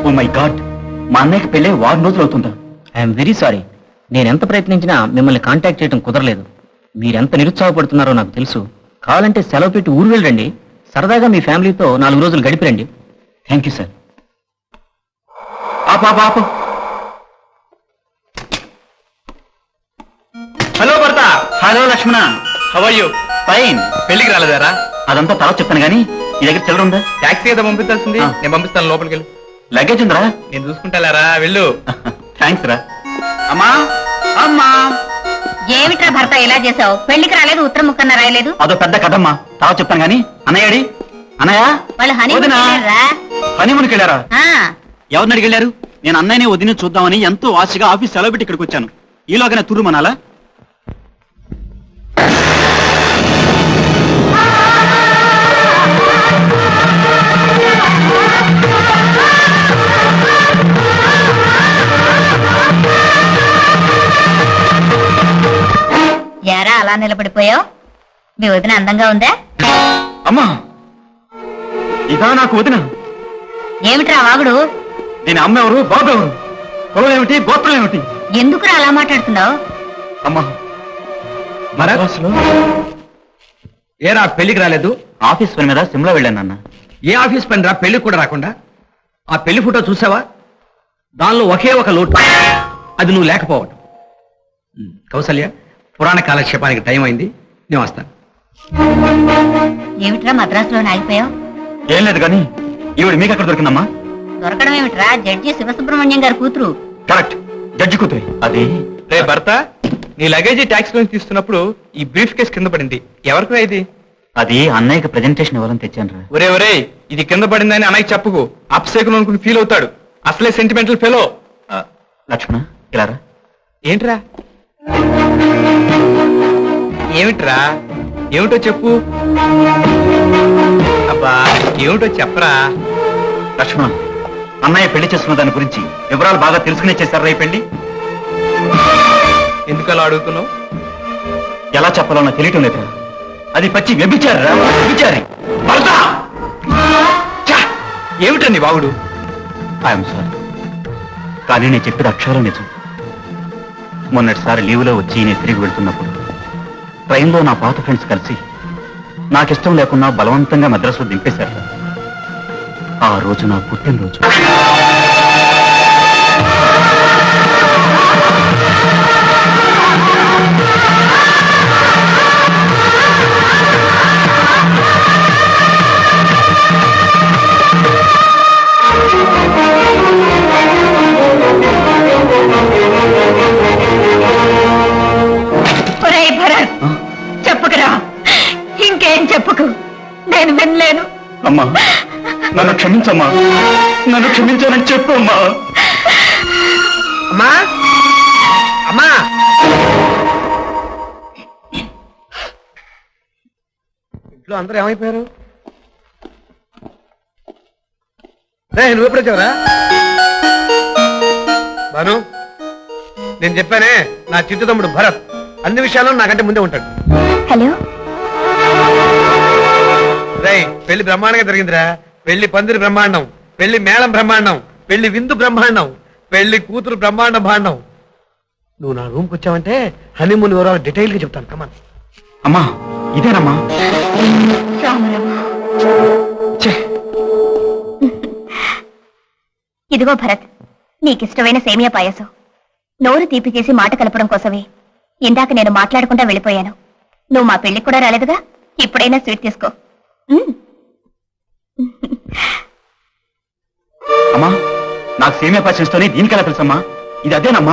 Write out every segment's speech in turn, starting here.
Oh my God, మా అన్నయ్యకి పెళ్ళే 6 రోజులు అవుతుందా? I'm very sorry. నేనెంత ప్రయత్నించినా మిమ్మల్ని కాంటాక్ట్ చేయడం కుదరలేదు. మీరెంత నిరుత్సాహపడుతున్నారో నాకు తెలుసు. కావాలంటే సెలవు పెట్టి ఊరు వెళ్ళండి. సరదాగా మీ ఫ్యామిలీతో 4 రోజులు గడిపిరండి. Thank you sir. ఆపు. హలో భర్త. Hello Lakshmana, how are you? Fine. పెళ్లికి రాలేదారా? అదంతా తర్వాత చెప్తాను గానీ ఈ దగ్గర చిల్లర ఉందా? టాక్సీ ఏదో పంపించాల్సింది. ఆ. నేను పంపిస్తాను, లోపలికి వెళ్ళు. లగేజ్ ఉందిరా? నేను చూసుకుంటారా, వెళ్ళు. థ్యాంక్స్ రా. అమ్మా ఏమిట్రా భర్త ఇలా చేసావు? పెళ్లికి రాలేదు, ఉత్తరం ముక్కన్న రాయలేదు. అదో పెద్ద కథమ్మా, తర్వాత చెప్తాను గానీ అన్నయ్యడి అన్నయ్య వాళ్ళు వదినా? హనీమూన్కి వెళ్ళారా? ఆ ఎవరిని అడిగి వెళ్ళారు? నేను అన్నయ్యని వదిన చూద్దామని ఎంతో ఆశగా ఆఫీస్ సెలవు పెట్టి ఇక్కడికి వచ్చాను. ఈలోగానే తుర్రు మనాలా? ఎరా అలా నిలబడిపోయావు? మీ వదిన అందంగా ఉందా? అమ్మా, ఇదా నాకు వదిన? ఏమిట్రా వాగుడు? నేను అమ్మ ఎవరు, బాబు ఎవరు, కులం ఏమిటి, గోత్రం ఏమిటి? ఎందుకురా అలా మాట్లాడుతున్నావు? అమ్మా, ఏరా పెళ్లికి రాలేదు? ఆఫీస్ పని మీద సిమ్లా వెళ్ళాను అన్న. ఏ ఆఫీస్ పని రా, పెళ్లికి కూడా రాకుండా? ఆ పెళ్లి ఫోటో చూసావా? దానిలో ఒకే ఒక లోటు, అది నువ్వు లేకపోవడం. కౌసల్య, పురాణ కాలక్షేపానికి టైం అయింది, నేను వస్తాను. ఏమిట్రా మద్రాసులో ఆగిపోయావు? ఏం లేదు కానీ ఈవిడ మీకు ఎక్కడ దొరికిందమ్మా? దొరకడం ఏమిట్రా, జడ్జి శివసుబ్రహ్మణ్యం గారి కూతురు. కరెక్ట్, జడ్జి కూతురి. అది రే భర్త, నీ లగేజీ ట్యాక్సీ నుంచి తీస్తున్నప్పుడు ఈ బ్రీఫ్ కేసు కింద పడింది. ఎవరికి ఇది? అది అన్నయ్యకి ప్రెజెంటేషన్ ఇవ్వాలని తెచ్చాను రా. ఒరే, ఇది కింద పడిందని అన్నయ్య చెప్పుకు. అప్సేకులు అనుకుని ఫీల్ అవుతాడు. అసలే సెంటిమెంటల్ ఫెలో. లక్ష్మణ, ఇలా రా. ఏంట్రా? ఏమిట్రా? ఏమిటో చెప్పు. అబ్బా, ఏమిటో చెప్పరా. లక్ష్మణ, అన్నయ్య పెళ్లి చేసుకున్న దాని గురించి వివరాలు బాగా తెలుసుకునే చేశారా ఈ పెళ్లి? ఎందుకు అలా అడుగుతున్నావు? ఎలా చెప్పాలో నాకు తెలియటం లేదు. అది పచ్చి వ్యభిచారి. ఏమిటండి బాగుడు? ఐఎమ్ సారీ, కానీ నేను చెప్పేది అక్షరం నిజం. మొన్నటిసారి లీవ్లో వచ్చి నేను తిరిగి వెళ్తున్నప్పుడు ట్రైన్లో నా పాత ఫ్రెండ్స్ కలిసి నాకిష్టం లేకున్నా బలవంతంగా మద్రాసులో దింపేశారు. ఆ రోజు నా పుట్టినరోజు. ఒరేయ్ భరత్, చెప్పుకురా. ఇంకేం చెప్పుకు, నేను వినలేను. అమ్మా, నన్ను క్షమించమ్మా, నన్ను క్షమించానని చెప్పు అమ్మా. అమ్మా, అమ్మా, ఇంట్లో అందరూ ఏమైపోయారు? నువ్వు ఎప్పుడు వచ్చావురా? బాను, నేను చెప్పానే, నా చిట్టు తమ్ముడు భరత్ అన్ని విషయాల్లో నాకంటే ముందే ఉంటాడు. హలో. రేయ్, పెళ్లి బ్రహ్మాండంగా జరిగిందిరా. పెళ్లి పందిరి బ్రహ్మాండం, పెళ్లి మేళం బ్రహ్మాండం, పెళ్లి విందు బ్రహ్మాండం, పెళ్లి కూతురు బ్రహ్మాండ భాండం. నువ్వు నా రూమ్కి వచ్చావంటే హనీమూన్ వివరాలు డీటెయిల్ గా చెప్తాను. కమాన్. అమ్మా, ఇదేనమ్మా. ఇదిగో భరత్, నీకిష్టమైన సేమియా పాయసం. నోరు తీపి చేసి మాట కలపడం కోసమే ఇందాక నేను మాట్లాడకుండా వెళ్ళిపోయాను. నువ్వు మా పెళ్లికి కూడా రాలేదుగా, ఇప్పుడైనా స్వీట్ తీసుకో. అమ్మా, నాకు సేమియా పాయసంతోనే దీనికెలా తెలుసమ్మా? ఇది అదేనమ్మా.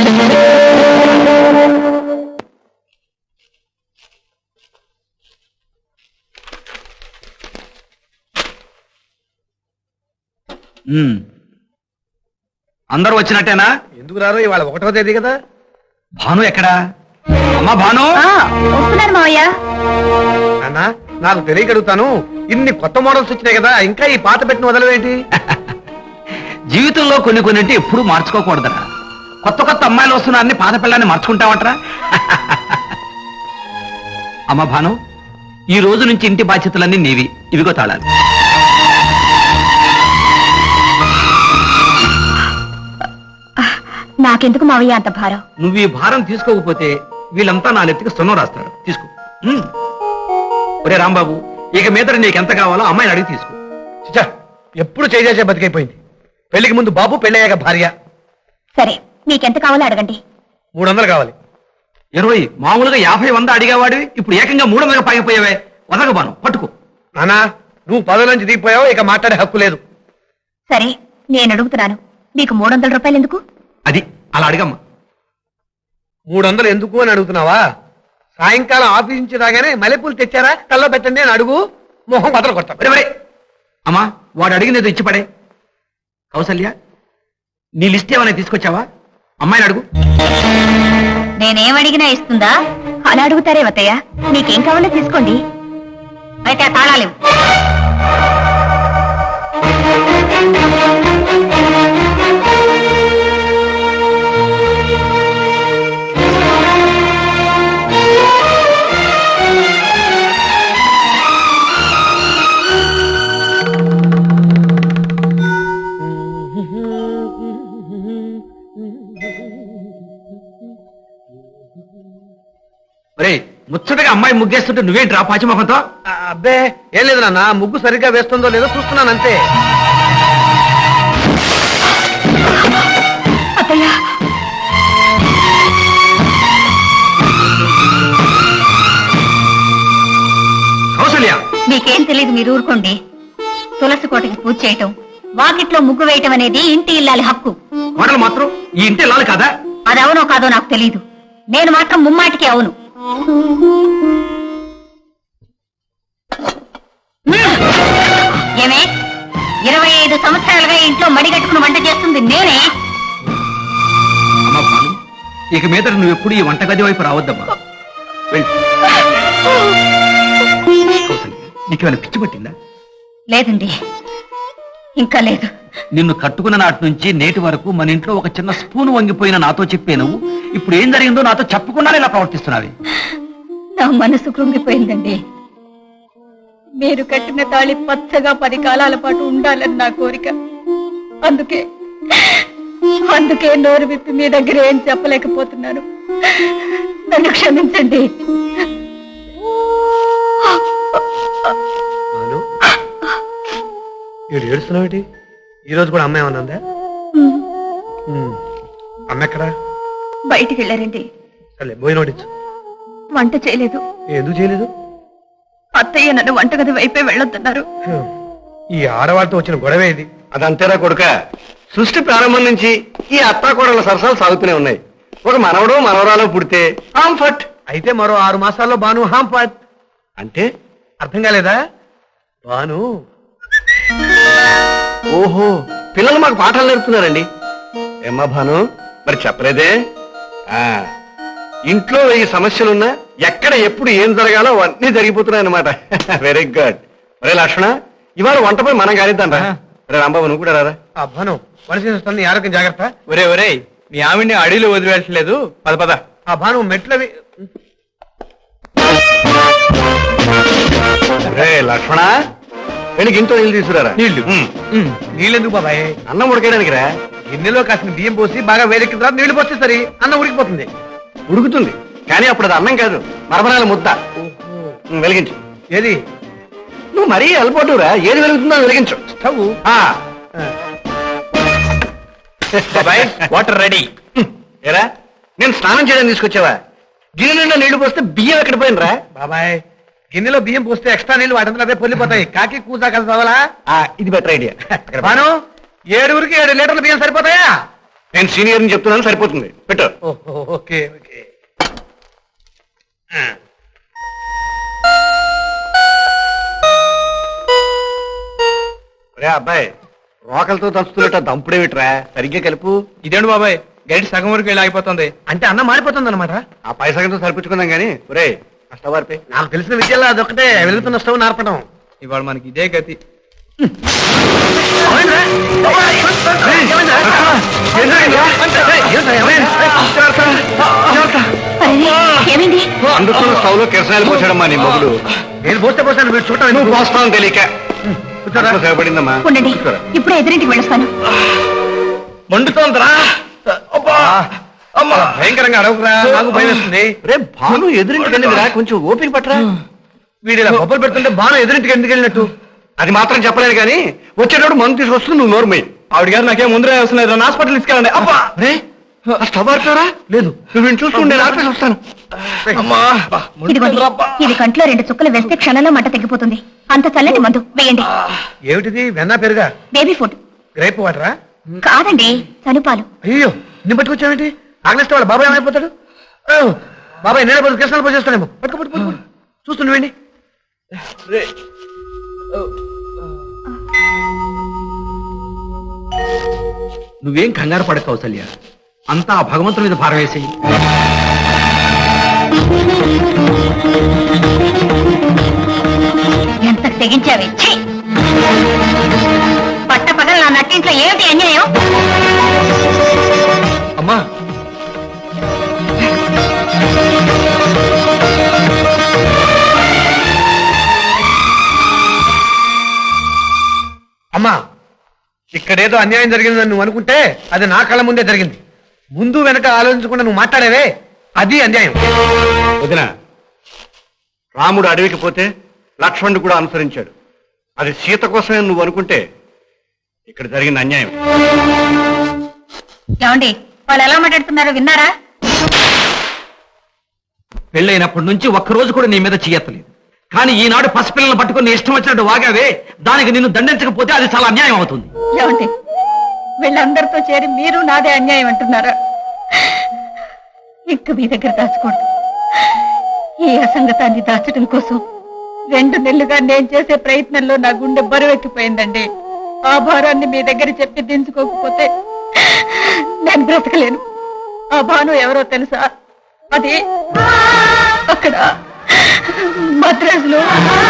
అందరూ వచ్చినట్టేనా? ఎందుకు రారు? ఇవాళ 1వ తేదీ కదా. భాను ఎక్కడా? అమ్మా భాను. వస్తున్నాను మావయ్య. అన్నా, నాకు తెలియగలుగుతాను, ఇన్ని కొత్త మోడల్స్ వచ్చినాయి కదా, ఇంకా ఈ పాత పెట్టిన వదలవేంటి? జీవితంలో కొన్నింటి ఎప్పుడు మార్చుకోకూడదరా. కొత్త కొత్త అమ్మాయిలు వస్తున్నారని పాత పిల్లాన్ని మార్చుకుంటావట్రా. అమ్మ భాను, ఈ రోజు నుంచి ఇంటి బాధ్యతలన్నీ నీవి. ఇవిగో తాళాలు. నాకెందుకు మావయ్య అంత భారం? నువ్వు ఈ భారం తీసుకోకపోతే వీళ్ళంతా నా నెత్తికి సున్నం రాస్తారు. తీసుకో. ఒరే రాంబాబు, ఇక మీద నీకు ఎంత కావాలో అమ్మాయిని అడిగి తీసుకో. చిచ్చా, ఎప్పుడు చేసే బతికైపోయింది. పెళ్లికి ముందు బాబు, పెళ్ళయ్యాక భార్య. సరే, మీకెంత కావాలో అడగండి. 300 కావాలి. 20 మామూలుగా 50 100 అడిగేవాడివి, ఇప్పుడు ఏకంగా 300 పాగిపోయావే. వదగబాను, పట్టుకో. నానా, నువ్వు పదవి నుంచి దిగిపోయావు, ఇక మాట్లాడే హక్కు లేదు. సరే, నేను అడుగుతున్నాను, మీకు 300 రూపాయలు ఎందుకు? అది అలా అడిగమ్మా. 300 ఎందుకు అని అడుగుతున్నావా? సాయంకాలం ఆఫీస్ నుంచి రాగానే మల్లెపూలు తెచ్చారా, కల్లో పెట్టండి అని అడుగు. మొహం బదలు కొడతా. అమ్మా, వాడు అడిగింది ఏదో ఇచ్చిపడే. కౌసల్య, నీ లిస్ట్ ఏమైనా తీసుకొచ్చావా? అమ్మాయిని అడుగు. నేనేమడిగినా ఇస్తుందా? అలా అడుగుతారే వతయ్య. మీకేం కావాలో తీసుకోండి. అయితే ఆ తాళాలు ముచ్చటగా అమ్మాయి ముగ్గేస్తుంటే నువ్వేంట్రా పాచిమొఖంతో? అబ్బే, ఏం లేదు నాన్న, ముగ్గు సరిగ్గా వేస్తుందో లేదో చూస్తున్నాను అంతే. అత్తయ్య, కౌసల్య, మీకేం తెలియదు, మీరు ఊరుకోండి. తులసి కోటకి పూజ చేయటం, వాకిట్లో ముగ్గు వేయటం అనేది ఇంటి ఇల్లాలి హక్కు. కోడలు మాత్రం ఈ ఇంటి ఇల్లాలి కదా? అది అవునో కాదో నాకు తెలీదు. నేను మాత్రం ముమ్మాటికి అవును. ఏమే, 25 సంవత్సరాలుగా ఇంట్లో మడిగట్టుకుని వంట చేస్తుంది నేనే. అమ్మా భాను, ఇక మీద నువ్వు ఎప్పుడు ఈ వంటగది వైపు రావద్దమ్మా. కౌసల్య, నీకేమైనా పిచ్చి పట్టిందా? లేదండి, ఇంకా లేదు. నిన్ను కట్టుకున్న నాటి నుంచి నేటి వరకు మన ఇంట్లో ఒక చిన్న స్పూన్ వంగిపోయిన నాతో చెప్పే నువ్వు ఇప్పుడు ఏం జరిగిందో నాతో చెప్పకుండానే ఇలా ప్రవర్తిస్తున్నావి. నా మనసు కృంగిపోయిందండి. మీరు కట్టిన తాళి పచ్చగా 10 కాలాల పాటు ఉండాలని నా కోరిక. అందుకే నోరు విప్పి మీ దగ్గర ఏం చెప్పలేకపోతున్నాను. నన్ను క్షమించండి. ఏడుస్తున్నావు? ఈ రోజు కూడా అమ్మ ఏమన్నా? అమ్మ ఎక్కడా? బయటికి వెళ్ళారండి. సరే, పోయి నోటిచ్చు. వంట చేయలేదు. ఎందుకు చేయలేదు? అత్తయ్య నన్ను వంటగది వైపే వెళ్ళొద్దన్నారు. ఈ ఆడవాళ్ళతో వచ్చిన గొడవే ఇది. అదంతేరా కొడుక, సృష్టి ప్రారంభం నుంచి ఈ అత్తాకోడల సరసాలు సాగుతూనే ఉన్నాయి. ఒక మనవడో మనవరాలో పుడితే హాంఫట్ అయితే మరో 6 మాసాల్లో బాను హాంఫట్ అంటే అర్థం కాలేదా? బాను ఓహో, పిల్లలు మాకు పాఠాలు నేర్పుతున్నారండి. ఏమ్మా భాను, మరి చెప్పలేదే? ఇంట్లో 1000 సమస్యలున్నా ఎక్కడ ఎప్పుడు ఏం జరగాలో అవన్నీ జరిగిపోతున్నాయన్నమాట. Very good. ఒరే లక్ష్మణ, ఇవాళ వంటపై మనం కానిద్దాం రా. రే రాంబాబు, నువ్వు కూడా రారా. భాను, మనిషి వస్తుంది, ఆరోగ్యం జాగ్రత్త. ఒరే మీ ఆవిడ్ని అడవిలో వదిలిపెట్టలేదు. పద. ఆ భాను మెట్లవి. రే లక్ష్మణ, వెళ్ళి గింతో నీళ్ళు తీసుకురారా. నీళ్ళెందుకు బాబాయ్? అన్నం ఉడకేయడానికి రా. గిన్నెలో కాసిన బియ్యం పోసి బాగా వేడెక్కిన తర్వాత నీళ్లు పోస్తే సరి, అన్నం ఉడికిపోతుంది. ఉడుకుతుంది కానీ అప్పుడు అది అన్నం కాదు, మరమరాల ముద్ద. వెలిగించు. ఏది? నువ్వు మరీ అలపోటురా, ఏది వెలుగుతుందో వెలిగించు. Stove water ready. ఏరా, నేను స్నానం చేయడానికి తీసుకొచ్చావా? గిన్నె నిండా నీళ్లు పోస్తే బియ్యం ఎక్కడ పోయినరా? బాబాయ్, గిన్నెలో బియ్యం పోస్తే ఎక్స్ట్రా నీళ్లు వాటంతా అదే పొల్లిపోతాయి. కాకి కూజా కలిసి అవ్వాలా? ఇది బెటర్ ఐడియా. బాను, 7ఊరికి 7 లీటర్ల బియ్యం సరిపోతాయా? నేను సీనియర్ని చెప్తున్నాను, సరిపోతుంది. పెట్టు. ఓకే. రే అబ్బాయి, రోకలతో దంచుతున్నట్టు దంపుడేమిట్రా? సరిగ్గా కలుపు. ఇదేంటి బాబాయ్, గైడ్ సగం వరకు వెళ్ళి ఆగిపోతుంది. అంటే అన్నం మారిపోతుంది అనమాట. ఆ పై సగంతో సరిపించుకుందాం గానీ. ఒరే, స్టవ్ వారిపై. నాకు తెలిసిన విద్యలో అదొక్కటే, వెలుగుతున్న స్టవ్ నార్పడం. ఇవాళ మనకి ఇదే గతి. ఏమైంది? అందుకున్న స్టవ్ లో కిరసాయలు పోసాడమ్మా నీ మొగుడు. నేను పోస్తాను, మీరు చూడటం. నువ్వు పోస్తావు తెలియక ఉండండి, ఇప్పుడే ఎదురింటికి వెళ్ళొస్తాను. మండుతోందిరా. అమ్మా భయంకరంగా అడవుకురా, నాకు భయం వేస్తుంది. రే భాను ఎదురింటికి వెళ్ళిందిరా, కొంచెం ఓపిక పట్టరా. వీడు ఇలా బొబ్బలు పెడుతుంటే బాగా ఎదురింటికి ఎందుకు వెళ్ళినట్టు? అది మాత్రం చెప్పలేను కానీ వచ్చేటప్పుడు మందు తీసుకొస్తుంది, నువ్వు నోరు పోయి. ఆవిడ గారు నాకేం ముందరే అవసరం లేదు, నన్ను హాస్పిటల్ తీసుకెళ్ళండి. అబ్బా రే స్టవ్ ఆడుతారా? లేదు, నువ్వు వీడిని చూస్తుండే ఆపేసి వస్తాను. అమ్మా ఇదిగోండి, ఇది కంట్లో 2 చుక్కలు వేస్తే క్షణంలో మంట తగ్గిపోతుంది. అంత చల్లటి మందు వేయండి. ఏమిటిది? వెన్నా పెరుగా? బేబీ ఫుడ్ గ్రేప్ వాటరా? కాదండి, చనుపాలు. అయ్యో నిన్ను పట్టుకొచ్చావేంటి? ఆగ్నేస్తే వాళ్ళ బాబాయ్ ఏమైపోతాడు? ఓ, బాబాయ్ నేనే పోయి కృష్ణాలు పోసేస్తానేమో. పట్టుకో పట్టుకో పట్టుకో. చూస్తుండీ. నువ్వేం కంగారు పడక కౌసల్య, అంతా ఆ భగవంతుని మీద భారం వేసేయి. ఎంత తెగించావే! ఛీ! పట్టపగలు నా నట్టింట్లో ఏమిటి అన్యాయం? అమ్మా అమ్మా, ఇక్కడేదో అన్యాయం జరిగిందని నువ్వు అనుకుంటే అది నా కళ్ళ ముందే జరిగింది. ముందు వెనక ఆలోచించకుండా నువ్వు మాట్లాడేవే, అది అన్యాయం. వదిన, రాముడు అడవికి పోతే లక్ష్మణుడు కూడా అనుసరించాడు. అది సీత కోసమే నువ్వు అనుకుంటే ఇక్కడ జరిగిన అన్యాయం. ఏమండి, వాళ్ళు ఎలా మాట్లాడుతున్నారో విన్నారా? పెళ్ళైనప్పటి నుంచి ఒక్కరోజు కూడా నీ మీద చెయ్యలేదు, కానీ ఈనాడు పసిపిల్లలను పట్టుకుని ఇష్టం వచ్చినట్టు వాగావే, దానికి నిన్ను దండించకపోతే అది చాలా అన్యాయం అవుతుంది. ఏమండి, వీళ్ళందరితో చేరి మీరు నాదే అన్యాయం అంటున్నారా? ఇంక మీ దగ్గర దాచకూడదు. ఈ అసంగతాన్ని దాచడం కోసం 2 నెలలుగా నేను చేసే ప్రయత్నంలో నా గుండె బరువెక్కిపోయిందండి. ఆ భారాన్ని మీ దగ్గర చెప్పి దించుకోకపోతే నేను బ్రతకలేను. ఆ భాను ఎవరో తెలుసా? అది అక్కడ మద్రాసులో